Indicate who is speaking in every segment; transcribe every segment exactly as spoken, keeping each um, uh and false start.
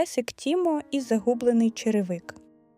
Speaker 1: песик Тімо і загублений черевик.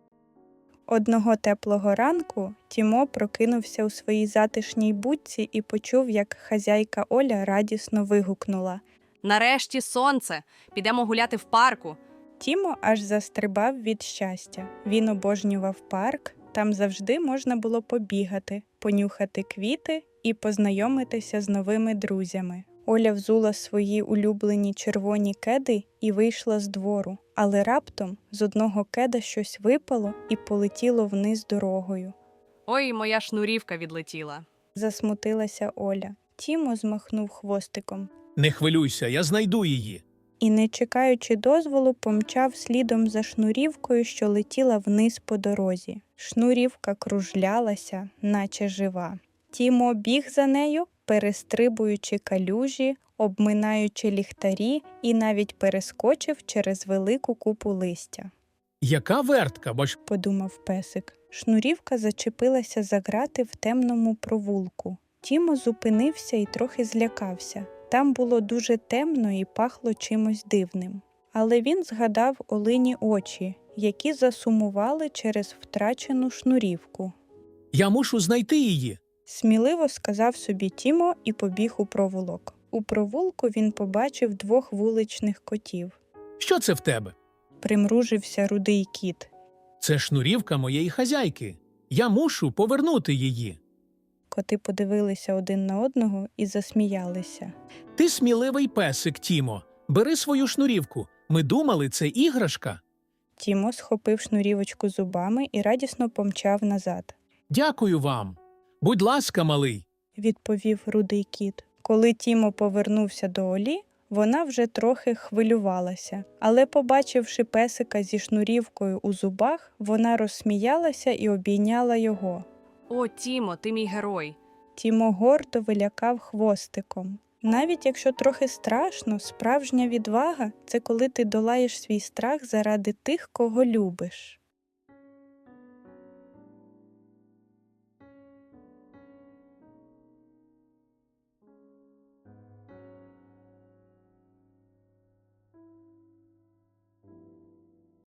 Speaker 1: Одного теплого ранку Тімо прокинувся у своїй затишній будці і почув, як хазяйка Оля радісно вигукнула.
Speaker 2: Нарешті сонце! Підемо гуляти в парку.
Speaker 1: Тімо аж застрибав від щастя. Він обожнював парк, там завжди можна було побігати, понюхати квіти і познайомитися з новими друзями. Оля взула свої улюблені червоні кеди і вийшла з двору, але раптом з одного кеда щось випало і полетіло вниз дорогою.
Speaker 2: Ой, моя шнурівка відлетіла.
Speaker 1: Засмутилася Оля. Тімо змахнув хвостиком
Speaker 3: Не хвилюйся, я знайду її.
Speaker 1: і, не чекаючи дозволу, помчав слідом за шнурівкою, що летіла вниз по дорозі. Шнурівка кружлялася, наче жива. Тімо біг за нею, перестрибуючи калюжі, обминаючи ліхтарі і навіть перескочив через велику купу листя.
Speaker 3: Яка вертка, бо ж
Speaker 1: Подумав песик. Шнурівка зачепилася за грати в темному провулку. Тімо зупинився і трохи злякався. Там було дуже темно і пахло чимось дивним. Але він згадав Олині очі, які засумували через втрачену шнурівку.
Speaker 3: я мушу знайти її.
Speaker 1: Сміливо сказав собі Тімо і побіг у провулок. У провулку він побачив двох вуличних котів.
Speaker 3: Що це в тебе?
Speaker 1: Примружився рудий кіт.
Speaker 3: Це шнурівка моєї хазяйки. Я мушу повернути її.
Speaker 1: Коти подивилися один на одного і засміялися.
Speaker 3: Ти сміливий песик, Тімо. Бери свою шнурівку. Ми думали, це іграшка.
Speaker 1: Тімо схопив шнурівочку зубами і радісно помчав назад.
Speaker 3: Дякую вам. Будь ласка, малий.
Speaker 1: Відповів рудий кіт. Коли Тімо повернувся до Олі, вона вже трохи хвилювалася. Але, побачивши песика зі шнурівкою у зубах, вона розсміялася і обійняла його.
Speaker 2: О, Тімо, ти мій герой.
Speaker 1: Тімо гордо вилякав хвостиком. Навіть якщо трохи страшно, справжня відвага – це коли ти долаєш свій страх заради тих, кого любиш.